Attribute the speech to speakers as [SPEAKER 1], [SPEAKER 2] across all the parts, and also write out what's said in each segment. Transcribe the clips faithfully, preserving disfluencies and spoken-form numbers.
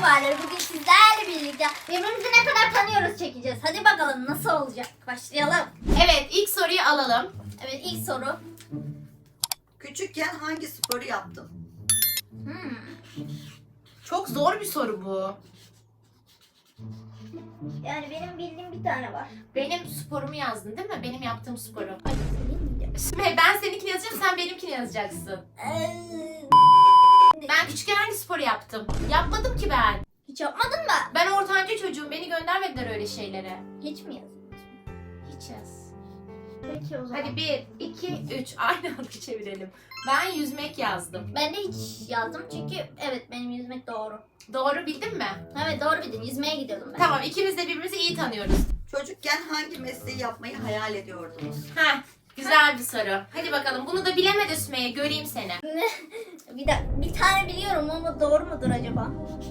[SPEAKER 1] itibariyle bugün sizlerle birlikte birbirimizi ne kadar tanıyoruz çekeceğiz. Hadi bakalım nasıl olacak? Başlayalım.
[SPEAKER 2] Evet, ilk soruyu alalım.
[SPEAKER 1] Evet, ilk soru.
[SPEAKER 3] Küçükken hangi sporu yaptın?
[SPEAKER 1] Hmm.
[SPEAKER 2] Çok zor bir soru bu.
[SPEAKER 1] Yani benim bildiğim bir tane var.
[SPEAKER 2] Benim sporumu yazdın değil mi? Benim yaptığım sporu.
[SPEAKER 1] Ay, söyleyeyim mi?
[SPEAKER 2] Sümeyye, ben seninkini yazacağım, sen benimkini yazacaksın.
[SPEAKER 1] Ee,
[SPEAKER 2] Ben küçükken hangi sporu yaptım? Yapmadım ki ben.
[SPEAKER 1] Hiç yapmadın mı?
[SPEAKER 2] Ben ortanca çocuğum, beni göndermediler öyle şeylere.
[SPEAKER 1] Hiç mi yazdın?
[SPEAKER 2] Hiç yaz.
[SPEAKER 1] Peki o zaman.
[SPEAKER 2] Hadi bir, iki, üç. Aynı anda çevirelim. Ben yüzmek yazdım.
[SPEAKER 1] Ben de hiç yazdım çünkü evet benim yüzmek doğru.
[SPEAKER 2] Doğru bildin mi?
[SPEAKER 1] Evet doğru bildin. Yüzmeye gidiyordum ben.
[SPEAKER 2] Tamam, ikimiz de birbirimizi iyi tanıyoruz.
[SPEAKER 3] Çocukken hangi mesleği yapmayı hayal ediyordunuz?
[SPEAKER 2] Heh, güzel bir soru. Hadi bakalım, bunu da bilemedi Sümeyye, göreyim seni.
[SPEAKER 1] bir, de, bir tane biliyorum ama doğru mudur acaba?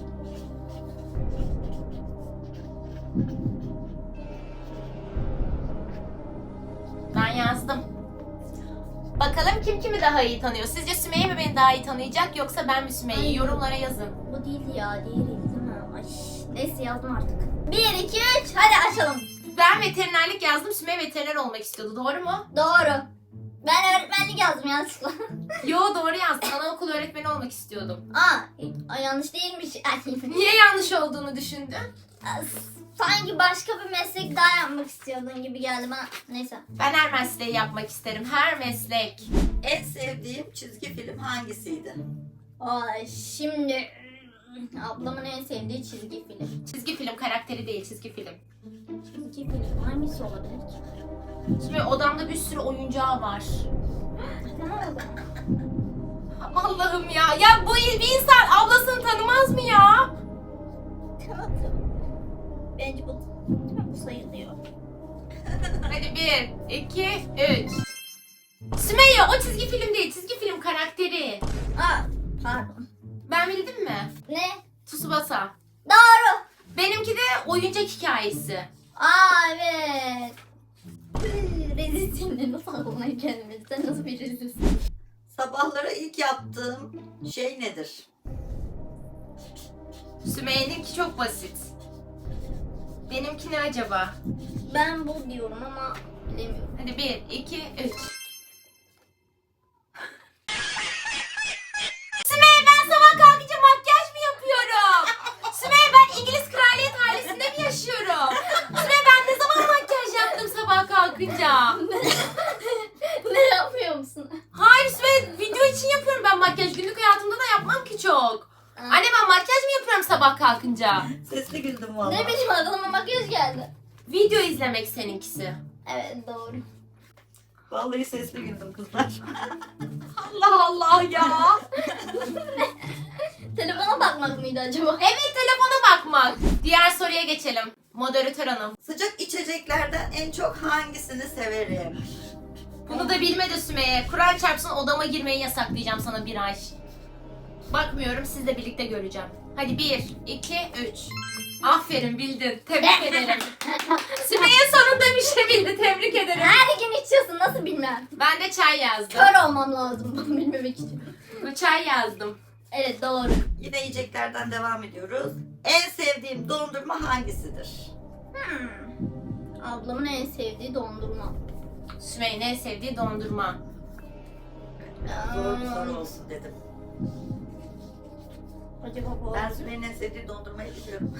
[SPEAKER 2] Ben yazdım. Bakalım kim kimi daha iyi tanıyor? Sizce Sümeyye mi beni daha iyi tanıyacak yoksa ben mi Sümeyye'yi?
[SPEAKER 1] Ay.
[SPEAKER 2] Yorumlara yazın.
[SPEAKER 1] Bu değildi ya. Diğeriydi değil mi? Ay, neyse yazdım artık. Bir, iki, üç. Hadi açalım.
[SPEAKER 2] Ben veterinerlik yazdım. Sümeyye veteriner olmak istiyordu. Doğru mu?
[SPEAKER 1] Doğru. Ben öğretmenlik yazdım yanlışlıkla.
[SPEAKER 2] Yo, doğru yazdın. Anaokulu öğretmeni olmak istiyordum.
[SPEAKER 1] Aa, ay, yanlış değilmiş. Ay,
[SPEAKER 2] Niye yanlış olduğunu düşündün?
[SPEAKER 1] sanki başka bir meslek daha yapmak istiyordun gibi geldi bana. Neyse.
[SPEAKER 2] Ben her mesleği yapmak isterim. Her meslek.
[SPEAKER 3] En sevdiğim çizgi film hangisiydi?
[SPEAKER 1] Ay, şimdi ablamın en sevdiği çizgi film.
[SPEAKER 2] Çizgi film karakteri değil, çizgi film.
[SPEAKER 1] Çizgi film hangisi olabilir ki?
[SPEAKER 2] Sümeyye, odamda bir sürü oyuncağı var.
[SPEAKER 1] Tamam o zaman.
[SPEAKER 2] Allah'ım ya. Ya bu bir insan ablasını tanımaz mı ya?
[SPEAKER 1] Tamam tamam. Bence bu, bu sayılıyor.
[SPEAKER 2] Hadi bir, iki, üç. Sümeyye, o çizgi film değil, çizgi film karakteri.
[SPEAKER 1] Aa, pardon.
[SPEAKER 2] Ben bildim mi?
[SPEAKER 1] Ne?
[SPEAKER 2] Tsubasa.
[SPEAKER 1] Doğru.
[SPEAKER 2] Benimki de oyuncak hikayesi.
[SPEAKER 1] Aa evet. Rezilsin de nasıl aklına gelmedi? Sen nasıl bir rezilsin?
[SPEAKER 3] Sabahları ilk yaptığım şey nedir?
[SPEAKER 2] Sümeyye'ninki çok basit. Benimki ne acaba?
[SPEAKER 1] Ben bu diyorum ama bilemiyorum.
[SPEAKER 2] Hadi bir, iki, üç. Sümeyye, ben sabah kalkınca makyaj mı yapıyorum? Sümeyye, ben İngiliz kraliyet ailesinde mi yaşıyorum? Sümeyye, ben ne zaman makyaj yaptım sabah kalkınca?
[SPEAKER 1] Ne yapıyor musun?
[SPEAKER 2] Hayır Sümeyye, video için yapıyorum ben makyaj. Günlük hayatımda da yapmam ki çok. Anne, ben makyaj mı yapıyorum sabah kalkınca?
[SPEAKER 3] Sesli güldüm valla.
[SPEAKER 1] Ne bileyim aklıma makyaj geldi.
[SPEAKER 2] Video izlemek seninkisi.
[SPEAKER 1] Evet doğru.
[SPEAKER 3] Vallahi sesli güldüm kızlar.
[SPEAKER 2] Allah Allah ya.
[SPEAKER 1] Telefona bakmak mıydı acaba?
[SPEAKER 2] Evet, telefona bakmak. Diğer soruya geçelim. Moderatör hanım.
[SPEAKER 3] Sıcak içeceklerden en çok hangisini severim?
[SPEAKER 2] Bunu da bilmedi Sümeyye. Kur'an çarpsın, odama girmeyi yasaklayacağım sana bir ay. Bakmıyorum, sizle birlikte göreceğim. Hadi bir, iki, üç. Aferin, bildin. Tebrik ederim. Sümeyye sonunda bir şey bildi. Tebrik ederim.
[SPEAKER 1] Her gün içiyorsun nasıl bilmem.
[SPEAKER 2] Ben de çay yazdım.
[SPEAKER 1] Kör olmam lazım bunu bilmemek için.
[SPEAKER 2] Çay yazdım.
[SPEAKER 1] Evet doğru.
[SPEAKER 3] Yine yiyeceklerden devam ediyoruz. En sevdiğim dondurma hangisidir?
[SPEAKER 1] Hmm. Ablamın en sevdiği dondurma.
[SPEAKER 2] Sümeyye'nin en sevdiği dondurma.
[SPEAKER 3] Zor bir soru olsun dedim.
[SPEAKER 1] Acaba bu
[SPEAKER 3] Ben Sümeyye'nin en sevdiği dondurmayı biliyorum.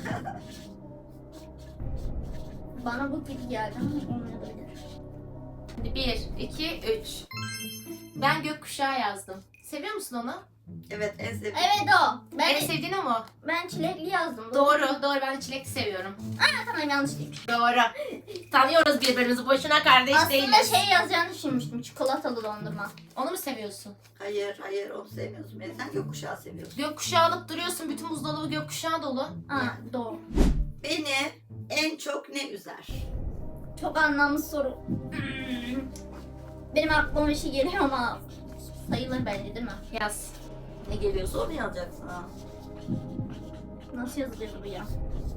[SPEAKER 1] bana bu gibi geldi ama olmayabilir.
[SPEAKER 2] Hadi bir, iki, üç. Ben gökkuşağı yazdım. Seviyor musun onu?
[SPEAKER 3] Evet en sevdiğim.
[SPEAKER 1] Evet o. Ben,
[SPEAKER 2] En sevdiğin o mu?
[SPEAKER 1] ben çilekli yazdım.
[SPEAKER 2] Doğru, doğru. Ben de çilekli seviyorum.
[SPEAKER 1] Aa, tamam yanlış değilmiş.
[SPEAKER 2] Doğru. Tanıyoruz birbirimizi. Boşuna kardeş
[SPEAKER 1] Aslında
[SPEAKER 2] değiliz.
[SPEAKER 1] şey yazacağını düşünmüştüm. Çikolatalı dondurma.
[SPEAKER 2] Onu mu seviyorsun?
[SPEAKER 3] Hayır hayır onu sevmiyorsun. Ben sen gökkuşağı seviyorsun.
[SPEAKER 2] Gökkuşağı alıp duruyorsun. Bütün buzdolabı gökkuşağı dolu.
[SPEAKER 1] Aa doğru.
[SPEAKER 3] Beni en çok ne üzer?
[SPEAKER 1] Çok anlamlı soru. Hmm. Benim aklıma bir şey geliyor ama sayılır bence değil mi?
[SPEAKER 2] Yaz.
[SPEAKER 3] Ne geliyorsa onu yazacaksın ha.
[SPEAKER 1] Nasıl yazılıyor bu ya?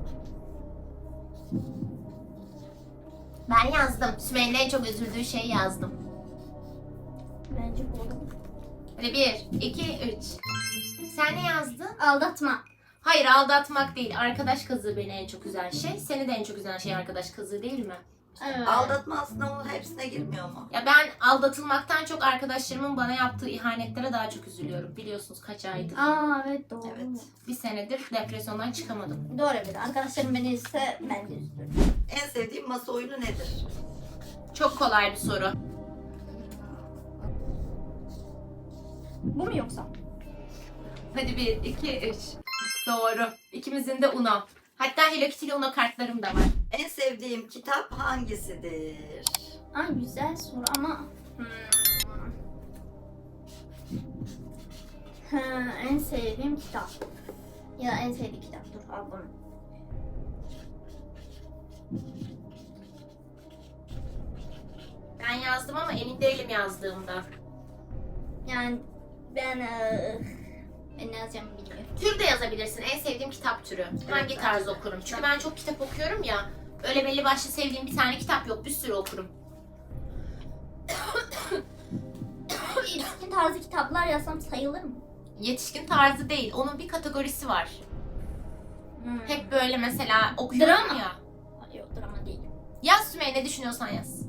[SPEAKER 2] Ben yazdım. Sümeyye'nin en çok üzüldüğü şeyi yazdım.
[SPEAKER 1] Bence bu.
[SPEAKER 2] Hadi bir, iki, üç. Sen ne yazdın?
[SPEAKER 1] Aldatma.
[SPEAKER 2] Hayır, aldatmak değil. Arkadaş kazığı beni en çok üzen şey. Seni de en çok üzen şey arkadaş kazığı değil mi?
[SPEAKER 1] Evet.
[SPEAKER 3] Aldatma aslında onun hepsine girmiyor mu?
[SPEAKER 2] Ya ben aldatılmaktan çok arkadaşlarımın bana yaptığı ihanetlere daha çok üzülüyorum. Biliyorsunuz kaç aydır.
[SPEAKER 1] Aa evet doğru.
[SPEAKER 3] Evet.
[SPEAKER 2] Bir senedir depresyondan çıkamadım.
[SPEAKER 1] Doğru bir de. Arkadaşlarım beni ise ben de üzülürüm.
[SPEAKER 3] En sevdiğim masa oyunu nedir?
[SPEAKER 2] Çok kolay bir soru.
[SPEAKER 1] Bu mu yoksa?
[SPEAKER 2] Hadi bir, iki, üç. Doğru. İkimizin de Uno. Hatta Hello Kitty'li Uno kartlarım da var.
[SPEAKER 3] En sevdiğim kitap hangisidir?
[SPEAKER 1] Ay güzel soru ama... Hmm. Ha, en sevdiğim kitap. Ya en sevdiğim kitap. Dur al bunu.
[SPEAKER 2] Ben yazdım ama emin değilim yazdığımda.
[SPEAKER 1] Yani ben... eee, ben ne yazacağımı bilmiyorum.
[SPEAKER 2] Tür de yazabilirsin. En sevdiğim kitap türü. Hangi
[SPEAKER 3] Evet,
[SPEAKER 2] tarz
[SPEAKER 3] bence de.
[SPEAKER 2] okurum? Çünkü ben çok kitap okuyorum ya. Öyle belli başlı sevdiğim bir tane kitap yok. Bir sürü okurum.
[SPEAKER 1] Yetişkin tarzı kitaplar yazsam sayılır mı?
[SPEAKER 2] Yetişkin tarzı değil. Onun bir kategorisi var.
[SPEAKER 1] Hmm.
[SPEAKER 2] Hep böyle mesela okuyorum
[SPEAKER 1] Drama.
[SPEAKER 2] ya.
[SPEAKER 1] Ay, yok drama değil.
[SPEAKER 2] Yaz Sümeyye, ne düşünüyorsan yaz.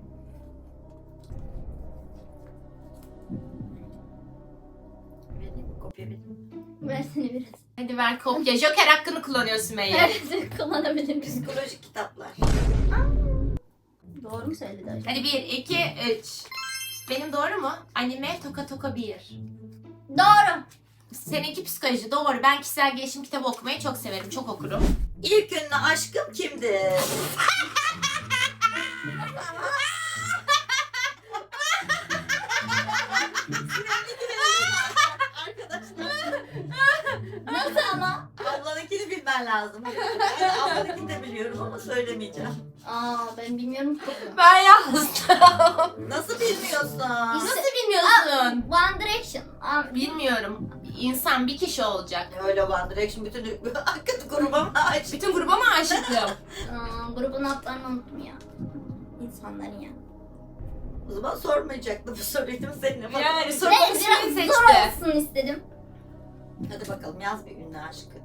[SPEAKER 3] Vereyim mi? Kopya vereyim.
[SPEAKER 1] Versene biraz.
[SPEAKER 2] Hadi ver kopya. Joker hakkını kullanıyor Sümeyye.
[SPEAKER 1] Evet kullanabilirim.
[SPEAKER 3] Psikolojik kitaplar.
[SPEAKER 1] Doğru mu söyledi acaba?
[SPEAKER 2] Hadi bir, iki, üç. Benim doğru mu? Anime Toka Toka bir.
[SPEAKER 1] Doğru.
[SPEAKER 2] Seninki psikoloji, doğru. Ben kişisel gelişim kitabı okumayı çok severim. Çok okurum.
[SPEAKER 3] İlk ünlü aşkım kimdir?
[SPEAKER 1] Nasıl ama?
[SPEAKER 3] Ablanınkini bilmen lazım. Ben ablanınkini de biliyorum ama söylemeyeceğim.
[SPEAKER 1] Aa ben bilmiyorum ki.
[SPEAKER 2] Ben yazdım.
[SPEAKER 3] Nasıl bilmiyorsun?
[SPEAKER 2] Nasıl bilmiyorsun?
[SPEAKER 1] One Direction. Aa,
[SPEAKER 2] Bilmiyorum. İnsan bir kişi olacak.
[SPEAKER 3] Öyle One Direction bütün arkadaş gruba mı ait?
[SPEAKER 2] Bütün gruba mı aşıktım?
[SPEAKER 1] aa, grubun adlarını unuttum ya. İnsanların ya.
[SPEAKER 3] O zaman sormayacaktım bu soruyu seninle.
[SPEAKER 2] Yani
[SPEAKER 1] Ben
[SPEAKER 2] sorunun ismini
[SPEAKER 1] biraz zor
[SPEAKER 2] seçti.
[SPEAKER 1] olsun istedim.
[SPEAKER 3] Hadi bakalım yaz bir ünlü aşkı.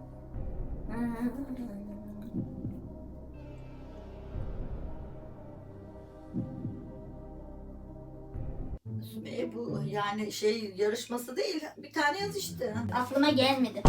[SPEAKER 3] Sümeyye bu yani şey yarışması değil. Bir tane yaz işte.
[SPEAKER 1] Aklıma gelmedi.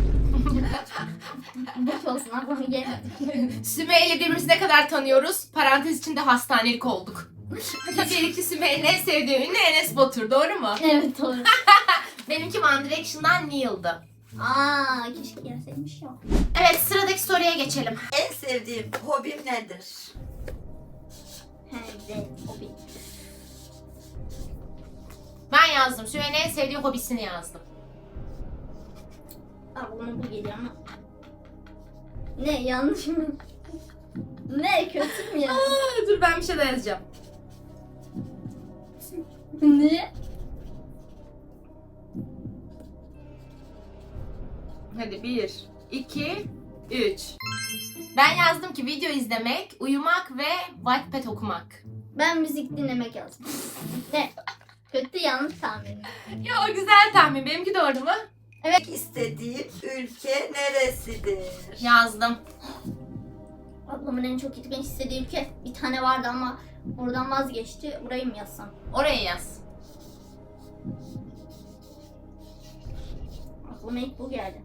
[SPEAKER 1] Boş olsun aklıma gelmedi.
[SPEAKER 2] Sümeyye ile birbirimizi ne kadar tanıyoruz? Parantez içinde hastanelik olduk. Hadi bir iki Sümeyye'nin en sevdiği ünlü Enes Batur, doğru mu?
[SPEAKER 1] Evet doğru.
[SPEAKER 2] Benimki One Direction'dan Neil'dı.
[SPEAKER 1] Aa keşke gelseymiş ya.
[SPEAKER 2] Evet, sıradaki soruya geçelim.
[SPEAKER 3] En sevdiğim hobim nedir?
[SPEAKER 1] He evet o bir.
[SPEAKER 2] Ben yazdım. Sümeyye'nin en sevdiği hobisini yazdım.
[SPEAKER 1] Aklıma bu geliyor ama. Ne yanlış mı? Ne kötü mü ya?
[SPEAKER 2] Aa, dur ben bir şey daha yazacağım.
[SPEAKER 1] Ne?
[SPEAKER 2] Hadi bir, iki, üç. Ben yazdım ki video izlemek, uyumak ve Wattpad okumak.
[SPEAKER 1] Ben müzik dinlemek yazdım. Ne? Kötü yanlış tahmin.
[SPEAKER 2] Ya o güzel tahmin. Benimki doğru mu?
[SPEAKER 3] Evet. İstediğim ülke neresidir?
[SPEAKER 2] Yazdım.
[SPEAKER 1] Ablamın en çok gitmek istediği ülke bir tane vardı ama oradan vazgeçti. Burayı mı yazsam?
[SPEAKER 2] Oraya yaz.
[SPEAKER 1] Aklıma ilk bu geldi.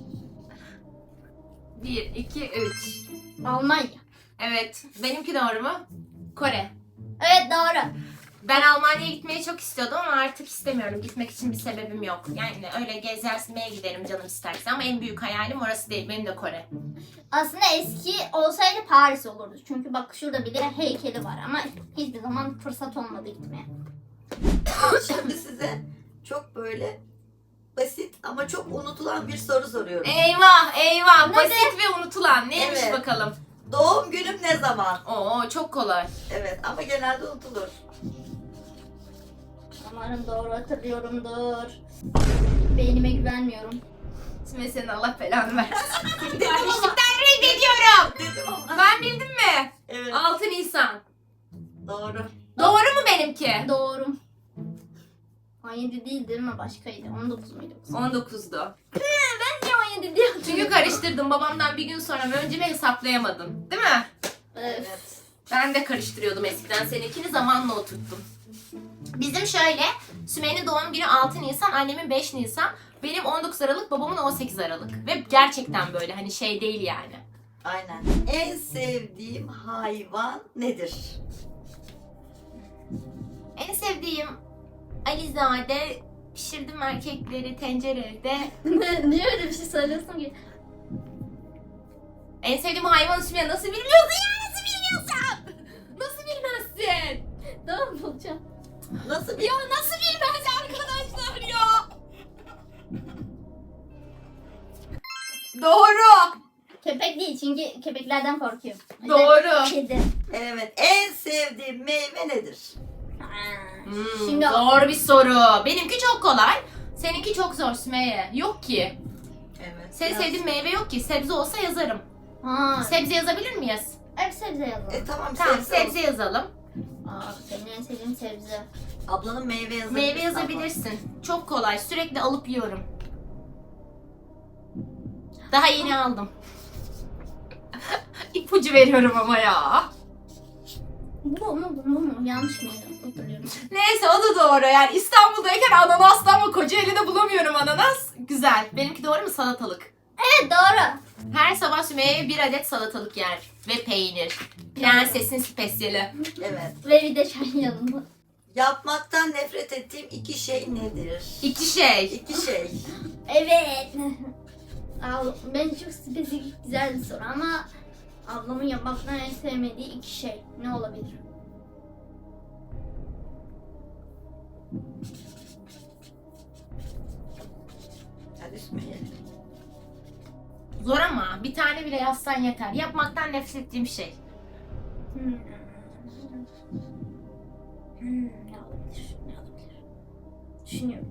[SPEAKER 2] Bir, iki, üç.
[SPEAKER 1] Almanya.
[SPEAKER 2] Evet. Benimki doğru mu? Kore.
[SPEAKER 1] Evet doğru.
[SPEAKER 2] Ben Almanya'ya gitmeyi çok istiyordum ama artık istemiyorum. Gitmek için bir sebebim yok. Yani öyle gezmeye giderim canım isterse ama en büyük hayalim orası değil. Benim de Kore.
[SPEAKER 1] Aslında eski olsaydı Paris olurdu. Çünkü bak şurada bir de heykeli var ama hiçbir zaman fırsat olmadı gitmeye.
[SPEAKER 3] Şimdi size çok böyle basit ama çok unutulan bir soru soruyorum.
[SPEAKER 2] Eyvah eyvah.
[SPEAKER 1] Ne
[SPEAKER 2] Basit ve unutulan. Neymiş
[SPEAKER 3] Evet.
[SPEAKER 2] bakalım.
[SPEAKER 3] Doğum günüm ne zaman?
[SPEAKER 2] Oo çok kolay.
[SPEAKER 3] Evet ama genelde unutulur.
[SPEAKER 1] Umarım doğru hatırlıyorumdur. Beynime güvenmiyorum.
[SPEAKER 2] Şimdi senin Allah belanı versin. Kardeşlikten reddediyorum.
[SPEAKER 3] Dedim ama.
[SPEAKER 2] Ben bildim mi?
[SPEAKER 3] Evet
[SPEAKER 2] altı Nisan.
[SPEAKER 3] doğru.
[SPEAKER 2] Doğru mu benimki?
[SPEAKER 1] Doğru. on yedi değil değil mi? Başkaydı. on dokuz muydu?
[SPEAKER 2] on dokuzdu.
[SPEAKER 1] Ben niye on yedi diyordum?
[SPEAKER 2] Çünkü karışık karıştırdım. Babamdan bir gün sonra mı önce mi hesaplayamadım. Değil mi?
[SPEAKER 1] Evet.
[SPEAKER 2] Ben de karıştırıyordum eskiden. Seninkini zamanla oturttum. Bizim şöyle, Sümeyye'nin doğum günü altı Nisan, annemin beş Nisan, benim on dokuz Aralık, babamın on sekiz Aralık. Ve gerçekten böyle hani şey değil yani.
[SPEAKER 3] Aynen. En sevdiğim hayvan nedir?
[SPEAKER 2] En sevdiğim Alizade, pişirdim erkekleri tencerede.
[SPEAKER 1] Ne- Niye öyle bir şey söylüyorsun ki?
[SPEAKER 2] En sevdiğim hayvan Sümeyye nasıl bilmiyorsun ya? Nasıl bilmiyorsun? Nasıl bilmezsin?
[SPEAKER 1] Tamam bulacağım.
[SPEAKER 3] Nasıl bir...
[SPEAKER 2] Ya nasıl bilmez arkadaşlar ya? Doğru.
[SPEAKER 1] Köpek değil çünkü köpeklerden korkuyorum. O yüzden
[SPEAKER 2] Doğru.
[SPEAKER 1] Kedi.
[SPEAKER 3] Evet. En sevdiğim meyve nedir?
[SPEAKER 1] Ha,
[SPEAKER 2] Hmm,
[SPEAKER 1] Şimdi
[SPEAKER 2] zor bir soru. Benimki çok kolay. Seninki çok zor Sümeyye. Yok ki.
[SPEAKER 3] Evet.
[SPEAKER 2] Senin
[SPEAKER 3] biraz-
[SPEAKER 2] sevdiğin meyve yok ki. Sebze olsa yazarım.
[SPEAKER 1] Ha,
[SPEAKER 2] Sebze yazabilir miyiz?
[SPEAKER 1] hep sebze yazalım.
[SPEAKER 3] E tamam,
[SPEAKER 2] Tamam
[SPEAKER 3] sebze
[SPEAKER 2] sebze
[SPEAKER 3] olsun.
[SPEAKER 2] yazalım.
[SPEAKER 1] Aa, senin en sevdiğin sebze.
[SPEAKER 3] Ablanın meyve yazabilirsin.
[SPEAKER 2] Meyve yazabilirsin. Çok kolay. Sürekli alıp yiyorum. Daha yeni aldım. İpucu veriyorum ama ya.
[SPEAKER 1] Bu mu bu mu mu? Yanlış mıydı? Hatırlıyorum.
[SPEAKER 2] Neyse o da doğru. Yani İstanbul'dayken ananaslı ama Kocaeli'de bulamıyorum ananas. Güzel. Benimki doğru mu? Salatalık.
[SPEAKER 1] Evet doğru.
[SPEAKER 2] Her sabah Sümeyye bir adet salatalık yer. Ve peynir. Prensesin spesiyeli.
[SPEAKER 3] Evet.
[SPEAKER 1] Ve bir de çay yanında.
[SPEAKER 3] Yapmaktan nefret ettiğim iki şey nedir?
[SPEAKER 2] İki şey.
[SPEAKER 3] İki şey.
[SPEAKER 1] Evet. Al, ben çok spesifik güzel bir soru ama ablamın yapmaktan en sevmediği iki şey ne olabilir?
[SPEAKER 3] Hadi Sümeyye.
[SPEAKER 2] Zor ama bir tane bile yazsan yeter. Yapmaktan nefret ettiğim şey.
[SPEAKER 1] Hmm. Hmm, ne olabilir? Ne olabilir? Düşünüyorum.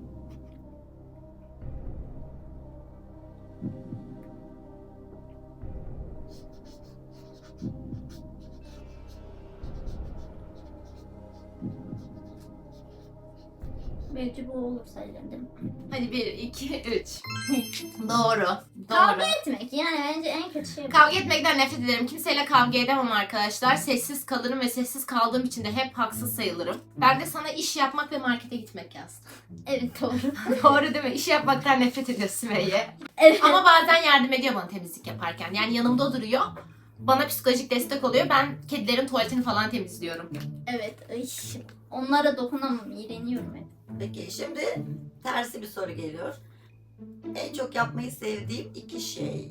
[SPEAKER 1] Belki bu olur sayılır değil mi?
[SPEAKER 2] Hadi bir, iki, üç. Doğru.
[SPEAKER 1] Kavga
[SPEAKER 2] Doğru.
[SPEAKER 1] etmek yani bence en kötü şey bu.
[SPEAKER 2] Kavga etmekten nefret ederim. Kimseyle kavga edemem arkadaşlar. Sessiz kalırım ve sessiz kaldığım için de hep haksız sayılırım. Ben de sana iş yapmak ve markete gitmek yazdım.
[SPEAKER 1] Evet doğru.
[SPEAKER 2] Doğru değil mi? İş yapmaktan nefret ediyorsun Sümeyye.
[SPEAKER 1] Evet.
[SPEAKER 2] Ama bazen yardım ediyor bana temizlik yaparken. Yani yanımda duruyor. Bana psikolojik destek oluyor. Ben kedilerin tuvaletini falan temizliyorum.
[SPEAKER 1] Evet. Ay, onlara dokunamam. İğreniyorum hep.
[SPEAKER 3] Peki şimdi tersi bir soru geliyor. En çok yapmayı sevdiğim iki şey.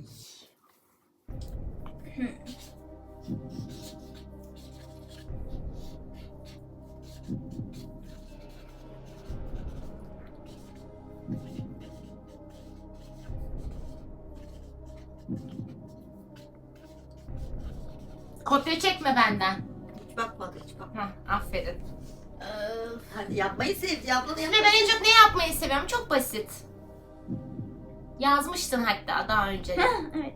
[SPEAKER 2] Kopya çekme benden.
[SPEAKER 3] Hiç bakmadı, hiç bakmadı.
[SPEAKER 2] Hah, aferin.
[SPEAKER 1] Öf.
[SPEAKER 3] Hadi yapmayı sevdiği ablanı
[SPEAKER 2] Ve
[SPEAKER 3] yapmayı
[SPEAKER 2] ben en çok ne yapmayı seviyorum? Çok basit. Yazmıştın hatta daha önce de.
[SPEAKER 1] Evet.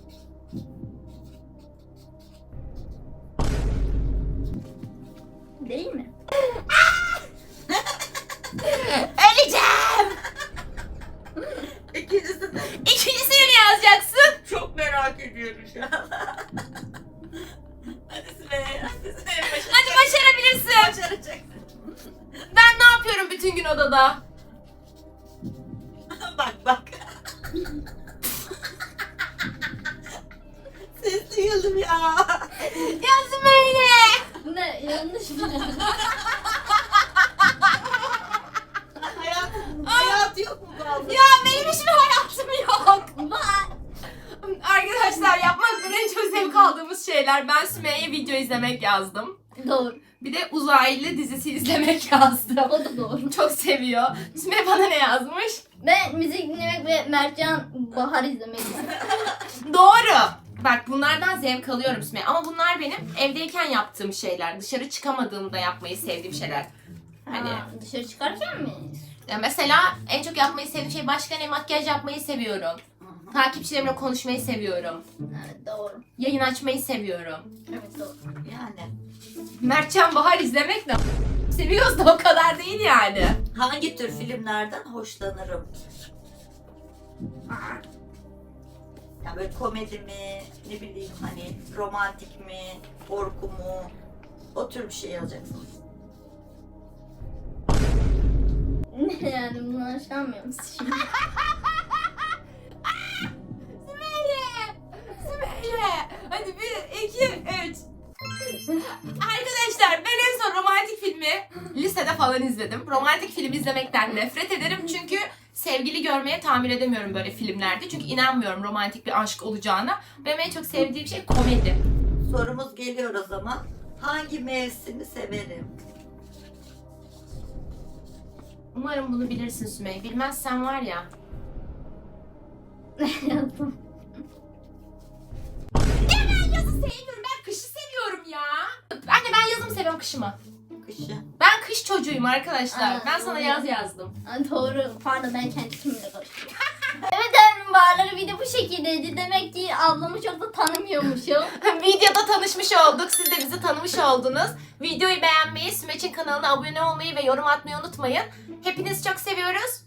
[SPEAKER 1] Değil mi?
[SPEAKER 2] Öleceğim!
[SPEAKER 3] İkincisi de
[SPEAKER 2] İkincisini ne yazacaksın?
[SPEAKER 3] çok merak ediyorum şu an. Hadi Sümeyye, hadi Sümeyye.
[SPEAKER 2] Hadi başarabilirsin.
[SPEAKER 3] Başaracak.
[SPEAKER 2] Ben ne yapıyorum bütün gün odada?
[SPEAKER 3] Bak bak. Ses duyalım ya.
[SPEAKER 2] Yazım öyle.
[SPEAKER 1] Ne yanlış mı?
[SPEAKER 3] Hayat, hayat yok mu bu abla?
[SPEAKER 2] Ya benim hiçbir hayatım yok.
[SPEAKER 1] Var.
[SPEAKER 2] Arkadaşlar yapmaktan en çok zevk aldığımız şeyler. Ben Sümeyye video izlemek yazdım.
[SPEAKER 1] Doğru.
[SPEAKER 2] Bir de uzaylı dizisi izlemek yazdım.
[SPEAKER 1] O da doğru.
[SPEAKER 2] Çok seviyor. Sümeyye bana ne yazmış?
[SPEAKER 1] Ben müzik dinlemek ve Mertcan Bahar izlemek istiyorum.
[SPEAKER 2] Doğru. Bak bunlardan zevk alıyorum Sümeyye. Ama bunlar benim evdeyken yaptığım şeyler. Dışarı çıkamadığımda yapmayı sevdiğim şeyler. Hani
[SPEAKER 1] Ha, dışarı çıkarken mi?
[SPEAKER 2] ya mesela en çok yapmayı sevdiğim şey başka ne? Makyaj yapmayı seviyorum. Takipçilerimle konuşmayı seviyorum.
[SPEAKER 1] Evet doğru.
[SPEAKER 2] Yayın açmayı seviyorum.
[SPEAKER 1] Evet doğru.
[SPEAKER 3] Yani
[SPEAKER 2] Mertcan Bahar izlemek de seviyoruz da o kadar değil yani.
[SPEAKER 3] hangi tür filmlerden hoşlanırım? Yani böyle komedi mi, ne bileyim hani romantik mi, korku mu? O tür bir şey yazacaksınız.
[SPEAKER 1] Ne yani bunu aşamıyor musun şimdi?
[SPEAKER 2] Sümeyye! Sümeyye! Hadi bir, iki, üç. Arkadaşlar ben en son romantik filmi lisede falan izledim. Romantik film izlemekten nefret ederim çünkü sevgili görmeye tahammül edemiyorum böyle filmlerde. Çünkü inanmıyorum romantik bir aşk olacağına. Benim en çok sevdiğim şey komedi.
[SPEAKER 3] Sorumuz geliyor o zaman. Hangi mevsimi severim?
[SPEAKER 2] Umarım bunu bilirsin Sümeyye. Bilmezsen var ya.
[SPEAKER 1] Yazdım.
[SPEAKER 2] Ya ben yazı sevmiyorum. Ben kışı seviyorum ya. Anne ben yazı mı seviyorum kışı mı?
[SPEAKER 3] Kışı.
[SPEAKER 2] Ben kış çocuğuyum arkadaşlar.
[SPEAKER 1] Aa,
[SPEAKER 2] ben sana
[SPEAKER 1] doğru.
[SPEAKER 2] yaz yazdım.
[SPEAKER 1] Ha, doğru. Pardon ben kendi kimle karıştırdım. Evet öğretmenim bağları video bu şekildeydi. Demek ki ablamı çok da tanımıyormuşum.
[SPEAKER 2] Videoda tanışmış olduk. Siz de bizi tanımış oldunuz. Videoyu beğenmeyi, Sümeç'in kanalına abone olmayı ve yorum atmayı unutmayın. Hepinizi çok seviyoruz.